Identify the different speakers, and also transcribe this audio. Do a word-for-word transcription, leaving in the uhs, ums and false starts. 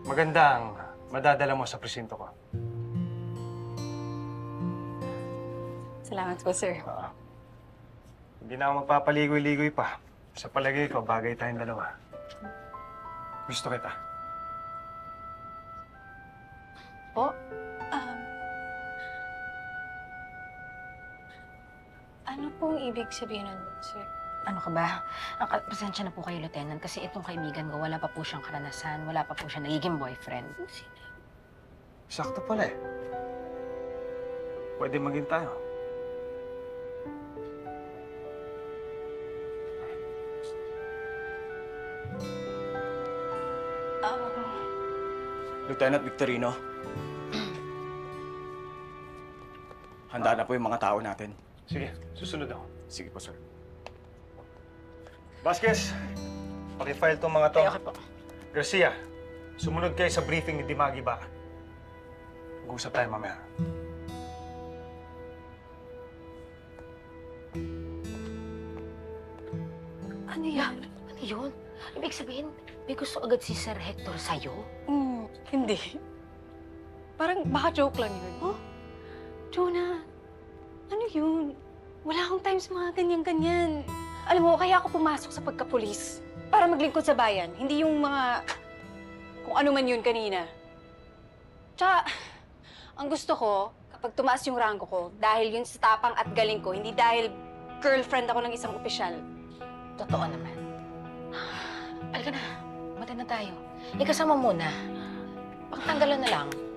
Speaker 1: magandang madadala mo sa presinto ko.
Speaker 2: Salamat po, sir.
Speaker 1: Uh, hindi na ako magpapaligoy-ligoy pa. Sa palagay ko, bagay tayong dalawa. Gusto kita.
Speaker 2: Po? Um, ano pong ibig sabihin nun, sir?
Speaker 3: Ano ka ba? Ang ka- pasensya na po kayo, Lieutenant, kasi itong kaibigan ko, wala pa po siyang karanasan, wala pa po siya nagiging boyfriend.
Speaker 1: Sakto pala eh. Pwede maging tayo.
Speaker 2: Um,
Speaker 4: Lieutenant Victorino. Handa na po yung mga tao natin.
Speaker 1: Sige, susunod ako.
Speaker 4: Sige po, sir.
Speaker 1: Vasquez, pakifile tong mga to.
Speaker 3: Okay, okay po.
Speaker 1: Garcia, sumunod kayo sa briefing ni Dimagi ba? Mag-uusap tayo mamaya.
Speaker 2: ano yan?
Speaker 3: Ano yun? Ibig sabihin, may gusto agad si Sir Hector sa'yo?
Speaker 2: Hmm, hindi. Parang baka joke lang yun. Oh, Jonah, ano yun? Wala akong time sa mga ganyan-ganyan. Alam mo, kaya ako pumasok sa pagkapulis. Para maglingkod sa bayan. Hindi yung mga... kung ano man yun kanina. Tsaka, ang gusto ko, kapag tumaas yung rango ko, dahil yun sa tapang at galing ko, hindi dahil girlfriend ako ng isang opisyal.
Speaker 3: Totoo naman. Halika na, mata na tayo. Ikasama muna. Pagtanggalan na lang.